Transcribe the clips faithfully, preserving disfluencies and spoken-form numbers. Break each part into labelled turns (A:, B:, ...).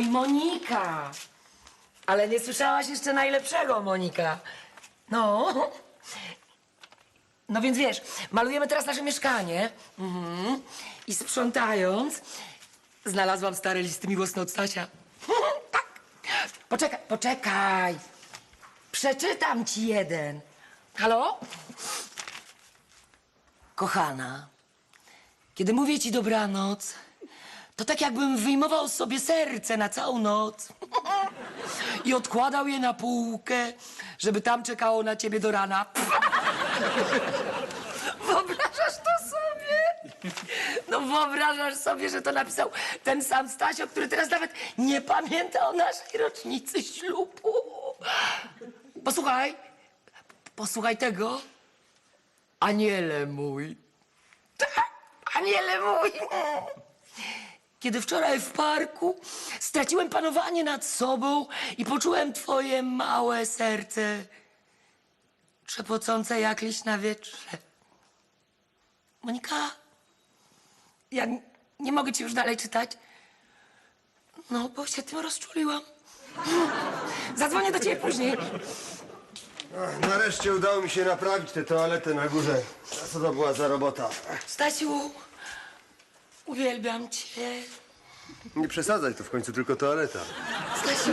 A: i Monika. Ale nie słyszałaś jeszcze najlepszego, Monika. No. No więc wiesz, malujemy teraz nasze mieszkanie. Mhm. I sprzątając, znalazłam stare listy miłosne od Stasia. Tak. Poczekaj, poczekaj. Przeczytam ci jeden. Halo? Kochana, kiedy mówię ci dobranoc, to tak jakbym wyjmował sobie serce na całą noc i odkładał je na półkę, żeby tam czekało na ciebie do rana. Wyobrażasz to sobie? No wyobrażasz sobie, że to napisał ten sam Stasio, który teraz nawet nie pamięta o naszej rocznicy ślubu. Posłuchaj, posłuchaj tego. Aniele mój. Tak, aniele mój. Kiedy wczoraj w parku straciłem panowanie nad sobą i poczułem twoje małe serce trzepocące jak liść na wietrze. Monika, ja n- nie mogę ci już dalej czytać. No, bo się tym rozczuliłam. Zadzwonię do ciebie później.
B: Ach, nareszcie udało mi się naprawić tę toaletę na górze. A co to była za robota?
A: Stasiu, uwielbiam cię.
B: Nie przesadzaj, to w końcu tylko toaleta.
A: Stasiu,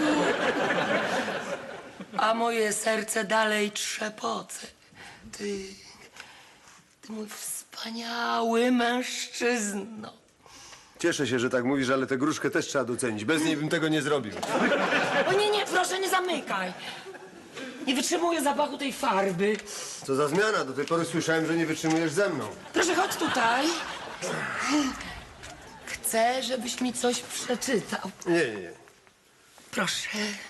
A: a moje serce dalej trzepoce. Ty, ty mój wspaniały mężczyzno.
B: Cieszę się, że tak mówisz, ale tę gruszkę też trzeba docenić. Bez niej bym tego nie zrobił.
A: O nie, nie, proszę, nie zamykaj. Nie wytrzymuję zapachu tej farby.
B: Co za zmiana? Do tej pory słyszałem, że nie wytrzymujesz ze mną.
A: Proszę, chodź tutaj. Chcę, żebyś mi coś przeczytał.
B: Nie, nie, nie.
A: Proszę.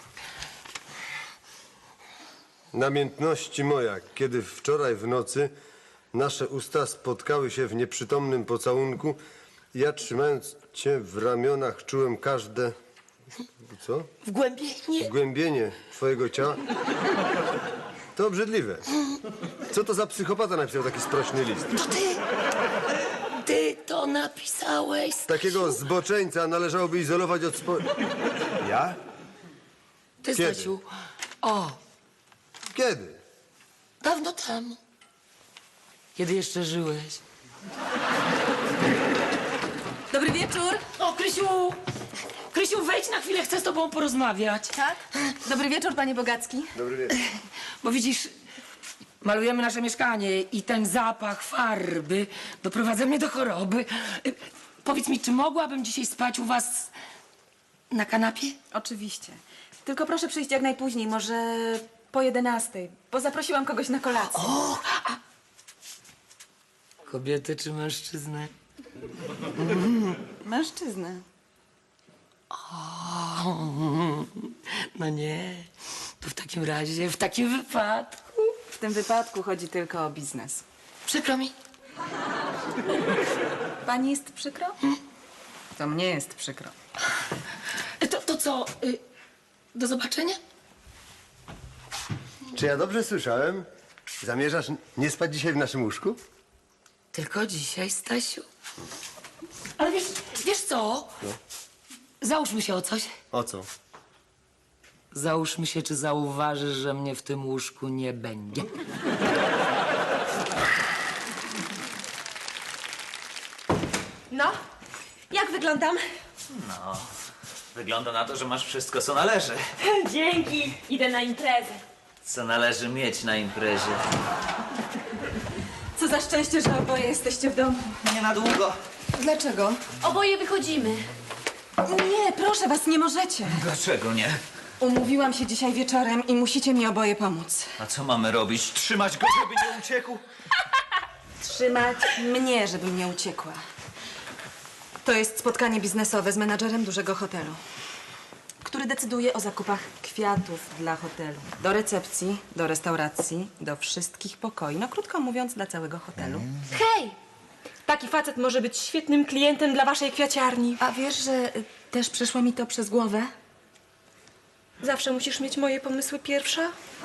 B: Namiętności moja, kiedy wczoraj w nocy nasze usta spotkały się w nieprzytomnym pocałunku, ja trzymając cię w ramionach czułem każde... Co?
A: Wgłębienie.
B: Głębienie twojego ciała. To obrzydliwe. Co to za psychopata napisał taki sprośny list?
A: To ty. Ty to napisałeś.
B: Takiego zboczeńca należałoby izolować od spo... Ja?
A: Ty,
B: Kiedy?
A: Stasiu. O,
B: Kiedy?
A: dawno temu. Kiedy jeszcze żyłeś.
C: Dobry wieczór.
A: O, Krysiu! Krysiu, wejdź na chwilę, chcę z tobą porozmawiać.
C: Tak? Dobry wieczór, panie Bogacki.
B: Dobry wieczór.
A: Bo widzisz, malujemy nasze mieszkanie i ten zapach farby doprowadza mnie do choroby. Y, Powiedz mi, czy mogłabym dzisiaj spać u was na kanapie?
C: Oczywiście. Tylko proszę przyjść jak najpóźniej, może po jedenastej, bo zaprosiłam kogoś na kolację.
A: O, a... Kobietę czy mężczyznę?
C: Mężczyznę.
A: O, no nie. To w takim razie, w takim wypadku...
C: W tym wypadku chodzi tylko o biznes.
A: Przykro mi.
C: Pani jest przykro? To mnie jest przykro.
A: To, to co, y, do zobaczenia?
B: Czy ja dobrze słyszałem? Zamierzasz nie spać dzisiaj w naszym łóżku?
A: Tylko dzisiaj, Stasiu. Ale wiesz, wiesz co? Załóżmy się o coś.
B: O co?
A: Załóżmy się, czy zauważysz, że mnie w tym łóżku nie będzie.
D: No, jak wyglądam?
E: No, wygląda na to, że masz wszystko, co należy.
D: Dzięki, idę na imprezę.
E: Co należy mieć na imprezie.
C: Co za szczęście, że oboje jesteście w domu.
E: Nie na długo.
C: Dlaczego?
D: Oboje wychodzimy.
C: Nie, proszę was, nie możecie.
E: Dlaczego nie?
C: Umówiłam się dzisiaj wieczorem i musicie mi oboje pomóc.
E: A co mamy robić? Trzymać go, żeby nie uciekł?
C: Trzymać mnie, żebym nie uciekła. To jest spotkanie biznesowe z menadżerem dużego hotelu, który decyduje o zakupach kwiatów dla hotelu. Do recepcji, do restauracji, do wszystkich pokoi. No krótko mówiąc, dla całego hotelu.
D: Hej! Taki facet może być świetnym klientem dla waszej kwiaciarni.
C: A wiesz, że y, też przeszło mi to przez głowę?
D: Zawsze musisz mieć moje pomysły pierwsza?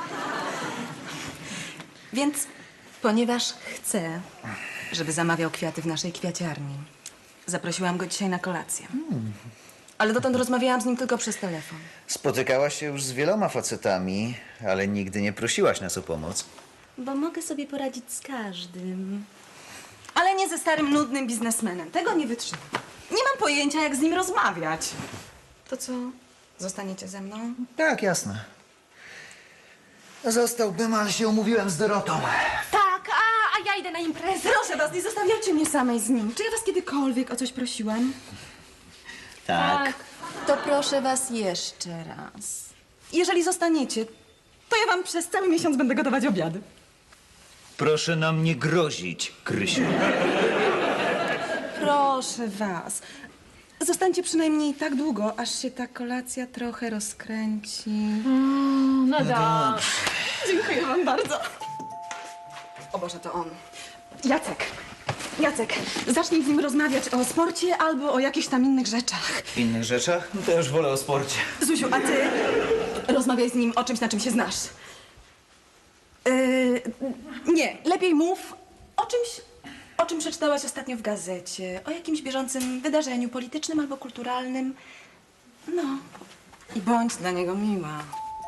C: Więc ponieważ chcę, żeby zamawiał kwiaty w naszej kwiaciarni, zaprosiłam go dzisiaj na kolację. Ale dotąd rozmawiałam z nim tylko przez telefon.
F: Spotykałaś się już z wieloma facetami, ale nigdy nie prosiłaś nas o pomoc.
C: Bo mogę sobie poradzić z każdym. Ale nie ze starym, nudnym biznesmenem. Tego nie wytrzymam. Nie mam pojęcia, jak z nim rozmawiać. To co? Zostaniecie ze mną?
F: Tak, jasne. Zostałbym, ale się umówiłem z Dorotą.
D: Tak, a, a ja idę na imprezę.
C: Proszę was, nie zostawiajcie mnie samej z nim. Czy ja was kiedykolwiek o coś prosiłam?
F: Tak.
C: To proszę was jeszcze raz. Jeżeli zostaniecie, to ja wam przez cały miesiąc będę gotować obiady.
F: Proszę nam nie grozić, Krysiu.
C: Proszę was. Zostańcie przynajmniej tak długo, aż się ta kolacja trochę rozkręci.
D: No dobrze.
C: Dziękuję wam bardzo. O Boże, to on. Jacek. Jacek, zacznij z nim rozmawiać o sporcie albo o jakichś tam innych rzeczach.
F: W innych rzeczach? No to już wolę o sporcie.
C: Zuziu, a ty rozmawiaj z nim o czymś, na czym się znasz. Yy, nie, lepiej mów o czymś, o czym przeczytałaś ostatnio w gazecie. O jakimś bieżącym wydarzeniu politycznym albo kulturalnym. No, i bądź dla niego miła.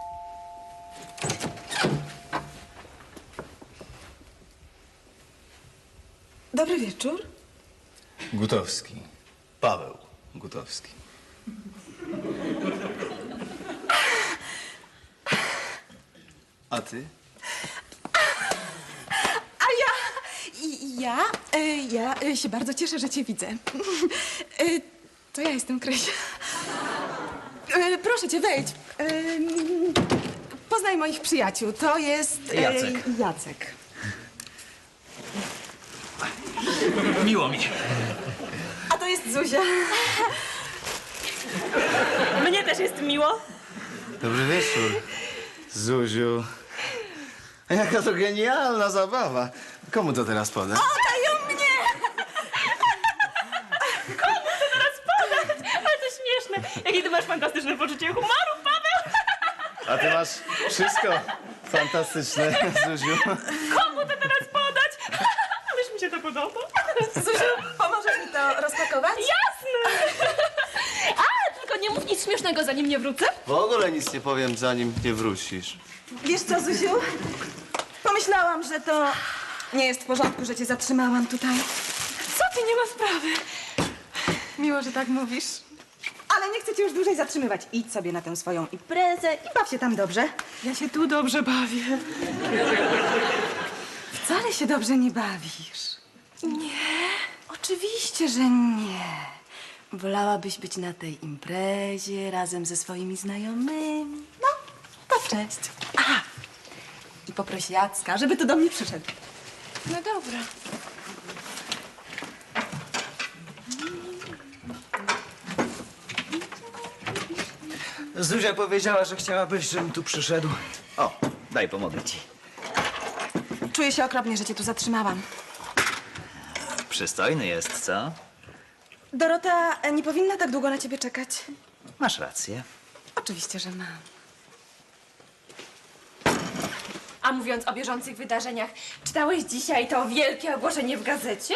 C: Dobry wieczór.
G: Gutowski. Paweł Gutowski. A ty?
C: A ja, i- ja, y, ja y, się bardzo cieszę, że cię widzę. Y, To ja jestem Krysia. Y, Proszę cię, wejdź. Y, Poznaj moich przyjaciół. To jest... y,
F: Jacek.
C: Jacek.
F: Miło mi.
C: A to jest Zuzia.
D: Mnie też jest miło.
G: Dobry wieczór, Zuziu. A jaka to genialna zabawa. Komu to teraz poda?
C: Dają mnie!
D: Ale to śmieszne. Jakie ty masz fantastyczne poczucie humoru, Paweł.
G: A ty masz wszystko fantastyczne, Zuziu.
D: Komu to teraz podać? Ależ mi się to podoba.
C: Zuziu, pomożesz mi to rozpakować?
D: Jasne. A, tylko nie mów nic śmiesznego, zanim nie wrócę.
G: W ogóle nic nie powiem, zanim nie wrócisz.
C: Wiesz co, Zuziu? Pomyślałam, że to nie jest w porządku, że cię zatrzymałam tutaj.
D: Co ty, nie ma sprawy.
C: Miło, że tak mówisz. Ale nie chcę cię już dłużej zatrzymywać. Idź sobie na tę swoją imprezę i baw się tam dobrze.
D: Ja się tu dobrze bawię.
C: Wcale się dobrze nie bawisz. Nie? Oczywiście, że nie. Wolałabyś być na tej imprezie razem ze swoimi znajomymi. No, to cześć. Aha. I poproś Jacka, żeby tu do mnie przyszedł.
D: No dobra.
F: Zuzia powiedziała, że chciałabyś, żebym tu przyszedł. O, daj, pomogę ci.
C: Czuję się okropnie, że cię tu zatrzymałam.
F: Przystojny jest, co?
C: Dorota e, nie powinna tak długo na ciebie czekać.
F: Masz rację.
C: Oczywiście, że mam.
D: A mówiąc o bieżących wydarzeniach, czytałeś dzisiaj to wielkie ogłoszenie w gazecie?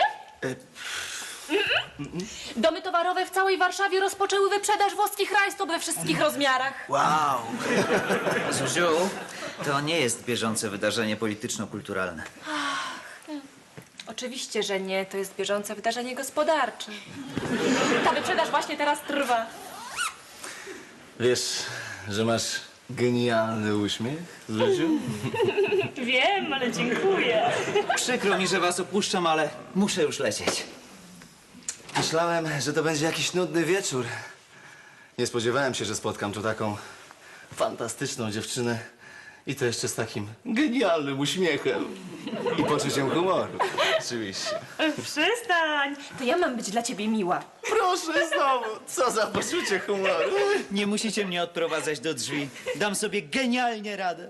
D: Mm-mm. Domy towarowe w całej Warszawie rozpoczęły wyprzedaż włoskich rajstop we wszystkich rozmiarach.
F: Wow! Zuziu, to nie jest bieżące wydarzenie polityczno-kulturalne.
D: Oczywiście, że nie. To jest bieżące wydarzenie gospodarcze. Ta wyprzedaż właśnie teraz trwa.
G: Wiesz, że masz genialny uśmiech, Zuziu?
D: Wiem, ale dziękuję.
F: Przykro mi, że was opuszczam, ale muszę już lecieć.
G: Myślałem, że to będzie jakiś nudny wieczór. Nie spodziewałem się, że spotkam tu taką fantastyczną dziewczynę. I to jeszcze z takim genialnym uśmiechem. I poczuciem humoru. Oczywiście.
D: Przestań. To ja mam być dla ciebie miła.
G: Proszę znowu, co za poczucie humoru.
F: Nie musicie mnie odprowadzać do drzwi. Dam sobie genialnie radę.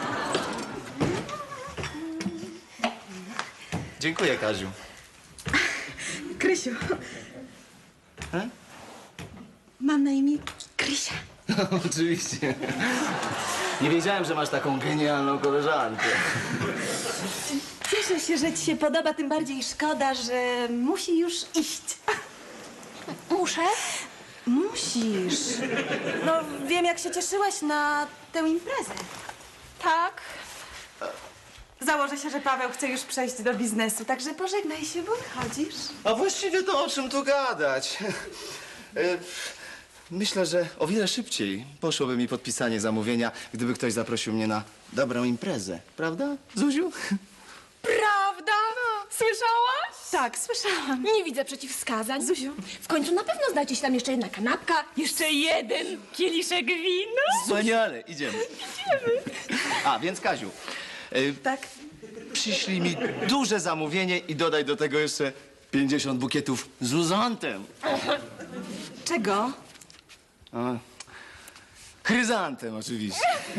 G: Dziękuję, Kaziu.
C: Krysiu.
G: E?
C: Mam na imię Krysia.
G: Oczywiście. Nie wiedziałem, że masz taką genialną koleżankę.
C: Cieszę się, że ci się podoba, tym bardziej szkoda, że musi już iść.
D: Muszę?
C: Musisz. No, wiem, jak się cieszyłaś na tę imprezę.
D: Tak.
C: Założę się, że Paweł chce już przejść do biznesu, także pożegnaj się, bo wychodzisz.
G: A właściwie to o czym tu gadać? E, Myślę, że o wiele szybciej poszłoby mi podpisanie zamówienia, gdyby ktoś zaprosił mnie na dobrą imprezę. Prawda, Zuziu?
D: Prawda? Słyszałaś?
C: Tak, słyszałam.
D: Nie widzę przeciwwskazań. Zuziu, w końcu na pewno znajdzie się tam jeszcze jedna kanapka, jeszcze jeden kieliszek wina.
G: Wspaniale, idziemy. Idziemy. A, więc Kaziu, e,
C: Tak.
G: przyślij mi duże zamówienie i dodaj do tego jeszcze pięćdziesiąt bukietów z uzantem.
C: Czego?
G: A, chryzantem oczywiście.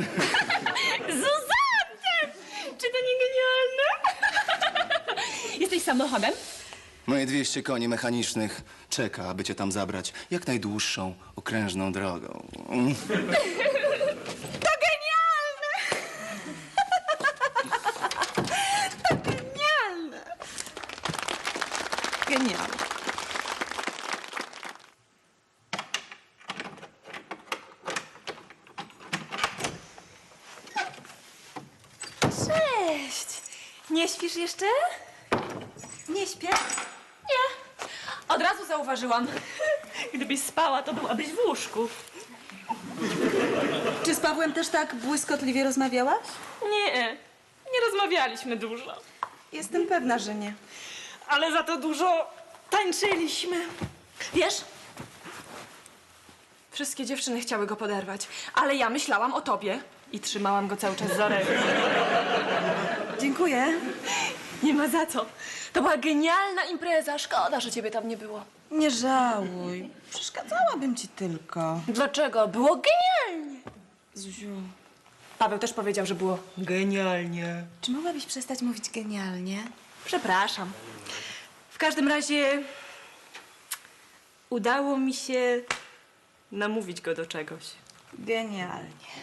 D: Zuzantem! Czy to nie genialne? Jesteś samochodem?
G: Moje dwieście koni mechanicznych czeka, aby cię tam zabrać jak najdłuższą, okrężną drogą. Mm.
C: To genialne! To genialne! Genialne.
D: Cześć! Nie śpisz jeszcze?
C: Nie śpię.
D: Nie. Od razu zauważyłam. Gdybyś spała, to byłabyś w łóżku.
C: Czy z Pawłem też tak błyskotliwie rozmawiałaś?
D: Nie, nie rozmawialiśmy dużo.
C: Jestem pewna, że nie.
D: Ale za to dużo tańczyliśmy. Wiesz? Wszystkie dziewczyny chciały go poderwać, ale ja myślałam o tobie i trzymałam go cały czas za rękę.
C: Dziękuję.
D: Nie ma za co. To była genialna impreza. Szkoda, że ciebie tam nie było.
C: Nie żałuj. Przeszkadzałabym ci tylko.
D: Dlaczego? Było genialnie.
C: Zuziu,
D: Paweł też powiedział, że było genialnie.
C: czy mogłabyś przestać mówić genialnie?
D: Przepraszam. W każdym razie udało mi się namówić go do czegoś.
C: Genialnie.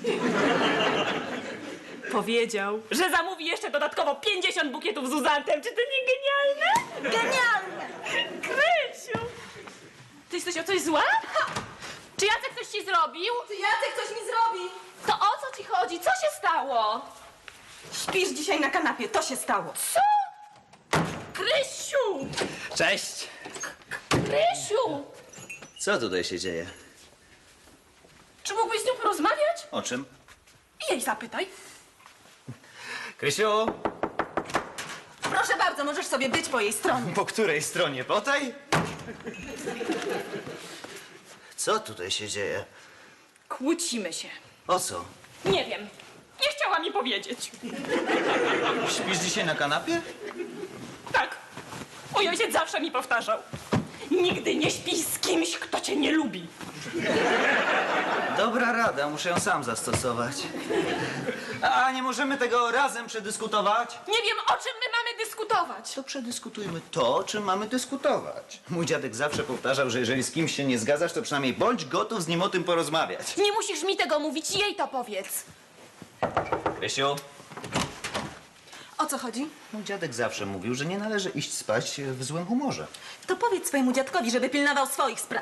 D: Powiedział, że zamówi jeszcze dodatkowo pięćdziesiąt bukietów z uzantem. Czy to nie genialne?
C: Genialne!
D: Krysiu! Ty jesteś o coś zła? Czy Jacek coś ci zrobił?
C: Czy Jacek coś mi zrobi?
D: To o co ci chodzi? Co się stało?
C: Śpisz dzisiaj na kanapie, to się stało.
D: Co? Krysiu!
F: Cześć!
D: Krysiu!
F: Co tutaj się dzieje?
D: Czy mógłbyś z nią porozmawiać?
F: O czym?
D: I jej zapytaj.
F: Krysiu,
C: Proszę bardzo, możesz sobie być po jej stronie.
F: po której stronie? Po tej? Co tutaj się dzieje?
D: Kłócimy się.
F: O co?
D: Nie wiem. Nie chciała mi powiedzieć.
F: Śpisz dzisiaj na kanapie?
D: Tak. Mój ojciec zawsze mi powtarzał. Nigdy nie śpij z kimś, kto cię nie lubi.
F: Dobra rada, muszę ją sam zastosować. A nie możemy tego razem przedyskutować?
D: Nie wiem, o czym my mamy dyskutować.
F: To przedyskutujmy to, o czym mamy dyskutować. Mój dziadek zawsze powtarzał, że jeżeli z kimś się nie zgadzasz, to przynajmniej bądź gotów z nim o tym porozmawiać.
D: Nie musisz mi tego mówić, jej to powiedz.
F: Krysiu,
C: O co chodzi?
F: mój dziadek zawsze mówił, że nie należy iść spać w złym humorze.
C: To powiedz swojemu dziadkowi, żeby pilnował swoich spraw.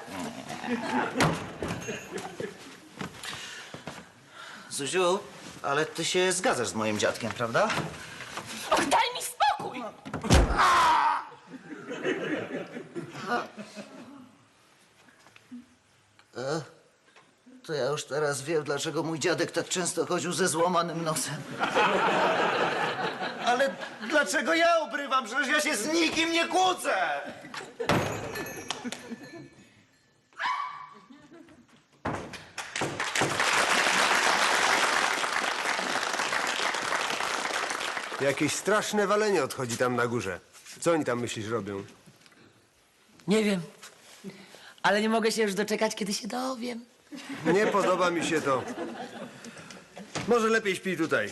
F: Zuziu, ale ty się zgadzasz z moim dziadkiem, prawda?
D: Och, daj mi spokój!
F: To ja już teraz wiem, dlaczego mój dziadek tak często chodził ze złamanym nosem. Ale dlaczego ja obrywam? Przecież ja się z nikim nie kłócę!
B: Jakieś straszne walenie odchodzi tam na górze. Co oni tam, myślisz, robią?
A: Nie wiem. Ale nie mogę się już doczekać, kiedy się dowiem.
B: Nie podoba mi się to. Może lepiej śpij tutaj.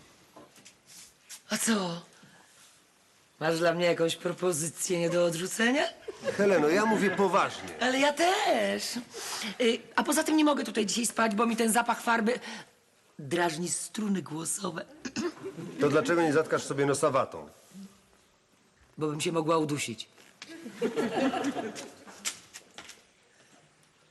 A: A co? Masz dla mnie jakąś propozycję nie do odrzucenia?
B: Heleno, ja mówię poważnie.
A: Ale ja też. Y, a poza tym nie mogę tutaj dzisiaj spać, bo mi ten zapach farby drażni struny głosowe.
B: To dlaczego nie zatkasz sobie nosa watą?
A: Bo bym się mogła udusić.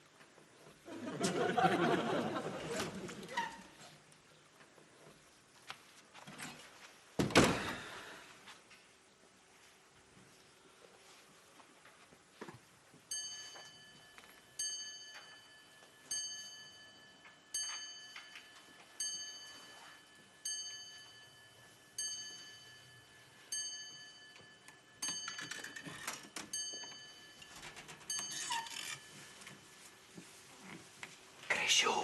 F: Krysiu,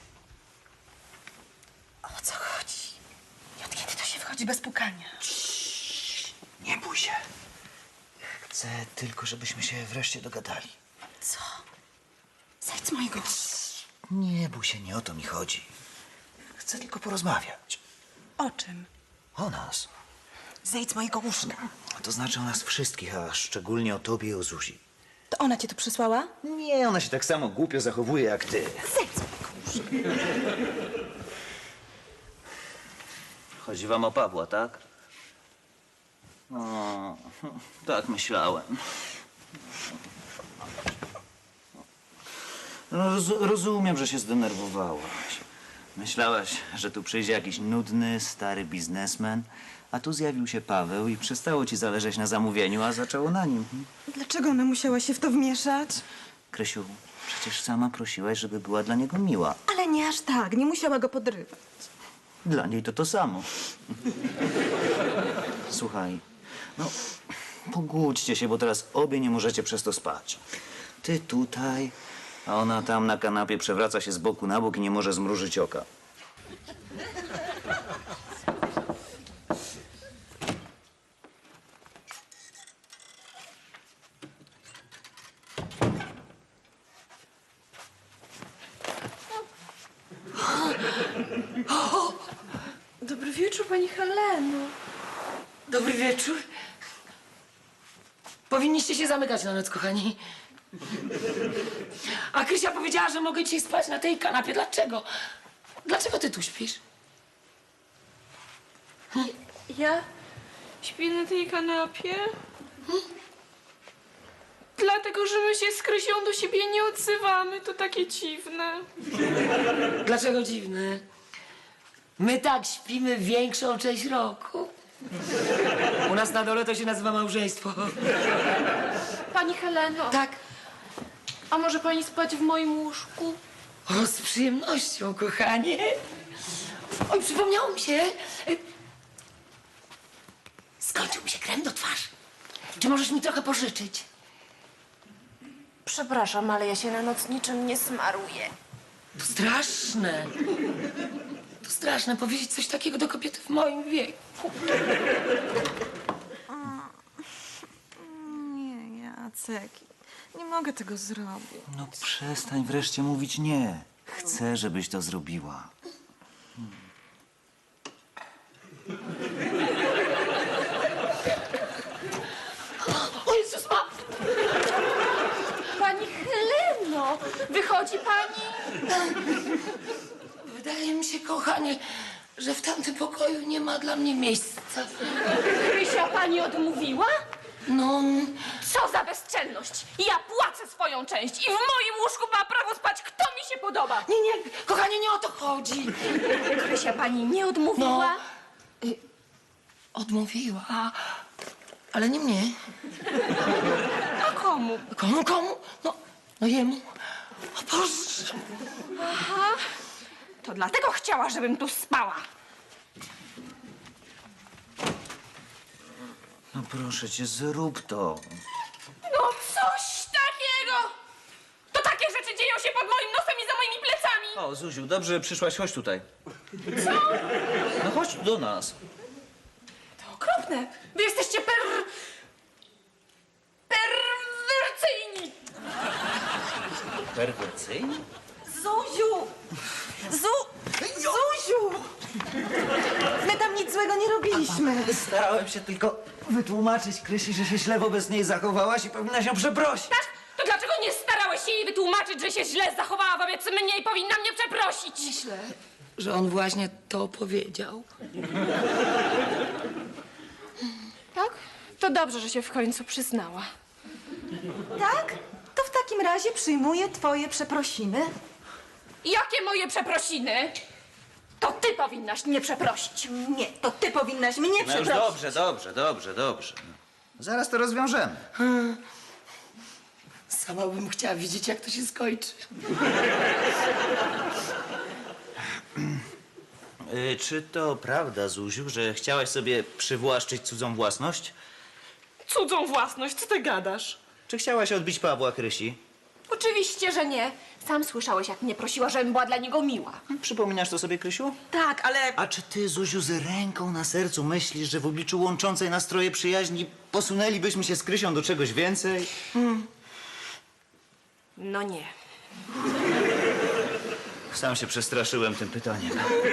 C: O co chodzi? I od kiedy to się wchodzi bez pukania?
F: nie bój się. Chcę tylko, żebyśmy się wreszcie dogadali.
C: Co? Zejdź z mojego...
F: Nie bój się, nie o to mi chodzi. Chcę tylko porozmawiać.
C: O czym?
F: O nas.
C: Zejdź z mojego łóżka.
F: To znaczy o nas wszystkich, a szczególnie o tobie i o Zuzi.
C: To ona cię tu przysłała?
F: Nie, ona się tak samo głupio zachowuje jak ty.
C: Zejdź z mojego łóżka.
F: Chodzi wam o Pawła, tak? O, tak myślałem. Roz, rozumiem, że się zdenerwowałaś. Myślałaś, że tu przyjdzie jakiś nudny, stary biznesmen, a tu zjawił się Paweł i przestało ci zależeć na zamówieniu, a zaczęło na nim.
C: Dlaczego ona musiała się w to wmieszać?
F: Krysiu, przecież sama prosiłaś, żeby była dla niego miła.
C: Ale nie aż tak, nie musiała go podrywać.
F: Dla niej to to samo. Słuchaj, no pogódźcie się, bo teraz obie nie możecie przez to spać. Ty tutaj, a ona tam na kanapie przewraca się z boku na bok i nie może zmrużyć oka.
H: Dobry wieczór, pani Heleno.
A: Dobry wieczór. Powinniście się zamykać na noc, kochani. A Krysia powiedziała, że mogę dzisiaj spać na tej kanapie. Dlaczego? Dlaczego ty tu śpisz?
H: Ja śpię na tej kanapie? Dlatego, że my się z Krysią do siebie nie odzywamy. To takie dziwne.
A: Dlaczego dziwne? My tak śpimy większą część roku. U nas na dole to się nazywa małżeństwo.
H: Pani Heleno,
A: Tak.
H: a może pani spać w moim łóżku?
A: O, z przyjemnością, kochanie. Oj, przypomniało mi się. Skończył mi się krem do twarzy. Czy możesz mi trochę pożyczyć?
H: Przepraszam, ale ja się na noc niczym nie smaruję.
A: To straszne. To straszne powiedzieć coś takiego do kobiety w moim wieku.
C: Nie, Jacek, nie mogę tego zrobić.
F: No przestań wreszcie mówić nie. Chcę, żebyś to zrobiła.
A: O Jezus, ma...
H: Pani Heleno, wychodzi pani?
A: Wydaje mi się, kochanie, że w tamtym pokoju nie ma dla mnie miejsca.
H: Krysia pani odmówiła?
A: No,
H: Co za bezczelność! Ja płacę swoją część i w moim łóżku ma prawo spać kto mi się podoba.
A: nie, nie, kochanie, nie o to chodzi.
H: Krysia pani nie odmówiła?
A: No. Y, odmówiła, ale nie mnie.
H: A komu?
A: Komu, komu? No, no jemu. O Boże.
H: To dlatego chciała, żebym tu spała.
F: No proszę cię, zrób to.
H: No coś takiego! To takie rzeczy dzieją się pod moim nosem i za moimi plecami.
F: O, Zuziu, dobrze, że przyszłaś, chodź tutaj. Co? No chodź do nas.
H: To okropne. Wy jesteście per... perwersyjni.
F: Perwersyjnie?
C: Zuziu! Zu... Zuziu! My tam nic złego nie robiliśmy.
F: Starałem się tylko wytłumaczyć Krysi, że się źle wobec niej zachowałaś i powinna się przeprosić.
H: Tak? To dlaczego nie starałeś się jej wytłumaczyć, że się źle zachowała wobec mnie i powinna mnie przeprosić?
A: Myślę, że on właśnie to powiedział.
H: Tak? To dobrze, że się w końcu przyznała.
C: Tak? To w takim razie przyjmuję twoje przeprosiny.
H: Jakie moje przeprosiny? To ty powinnaś mnie przeprosić.
C: Nie, to ty powinnaś mnie
F: No już
C: przeprosić.
F: dobrze, dobrze, dobrze, dobrze. Zaraz to rozwiążemy.
A: Sama bym chciała widzieć, jak to się skończy.
F: Y, czy to prawda, Zuziu, że chciałaś sobie przywłaszczyć cudzą własność?
H: Cudzą własność, co ty gadasz?
F: Czy chciałaś odbić Pawła Krysi?
H: Oczywiście, że nie. Sam słyszałeś, jak mnie prosiła, żebym była dla niego miła.
F: Przypominasz to sobie, Krysiu?
C: Tak, ale
F: A czy ty, Zuziu, z ręką na sercu myślisz, że w obliczu łączącej nastroje przyjaźni posunęlibyśmy się z Krysią do czegoś więcej?
C: no nie.
F: Sam się przestraszyłem tym pytaniem.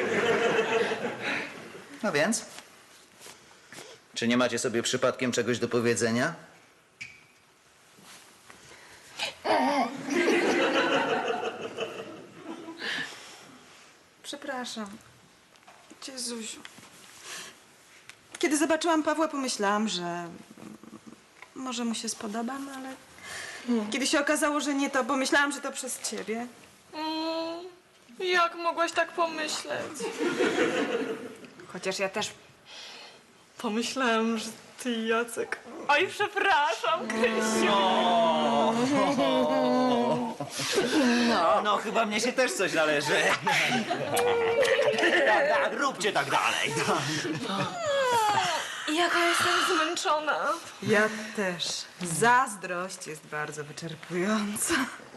F: No więc? Czy nie macie sobie przypadkiem czegoś do powiedzenia?
I: Przepraszam cię, Zuziu. Kiedy zobaczyłam Pawła, pomyślałam, że może mu się spodobam, ale kiedy się okazało, że nie, to pomyślałam, że to przez ciebie.
H: Mm, jak mogłaś tak pomyśleć?
C: Chociaż ja też
H: Pomyślałam, że ty, Jacek. Oj, przepraszam, Krysiu.
F: No, no chyba mnie się też coś należy. Tak, tak, róbcie tak dalej.
H: Jaka jestem zmęczona.
I: Ja też. Zazdrość jest bardzo wyczerpująca.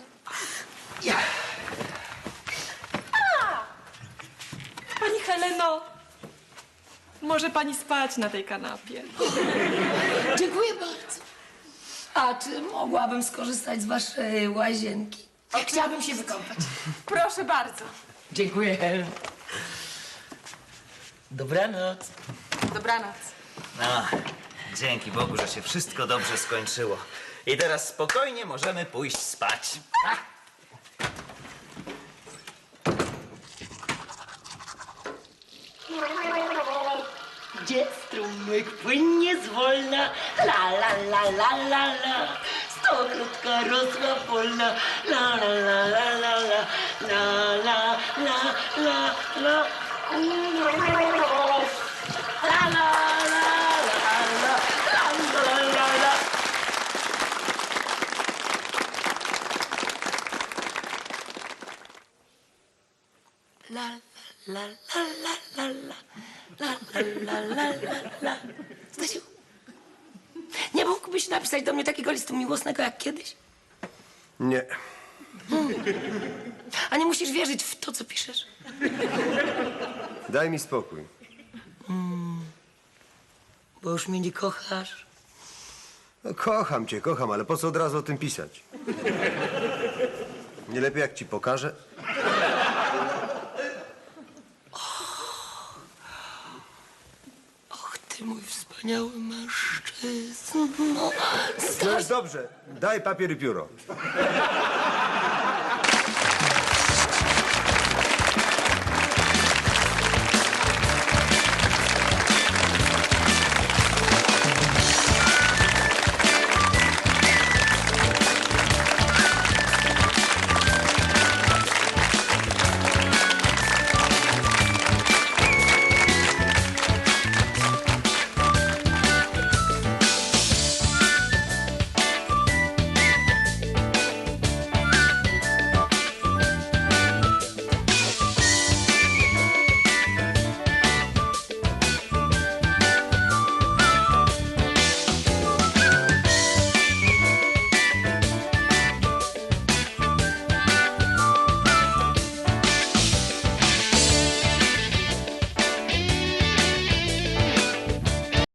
H: Pani Heleno, może pani spać na tej kanapie?
A: Dziękuję bardzo. A czy mogłabym skorzystać z waszej łazienki? Chciałabym się wykąpać.
H: Proszę bardzo.
A: Dziękuję. Dobranoc.
C: Dobranoc.
F: No, dzięki Bogu, że się wszystko dobrze skończyło. I teraz spokojnie możemy pójść spać.
A: Gdzie strumyk płynie zwolna, la la la la la la. Stokrotka rosła polna, la la la la la la, la la la la la. La la la la la la la la. La la la la la la. La, la, la, la, la, la. Stasiu, nie mógłbyś napisać do mnie takiego listu miłosnego jak kiedyś?
B: Nie.
A: A nie musisz wierzyć w to, co piszesz?
B: Daj mi spokój.
A: Bo już mnie nie kochasz.
B: No, kocham cię, kocham, ale po co od razu o tym pisać? Nie lepiej jak ci pokażę?
A: Och, ty mój wspaniały mężczyzno.
B: No już dobrze. Daj papier i pióro.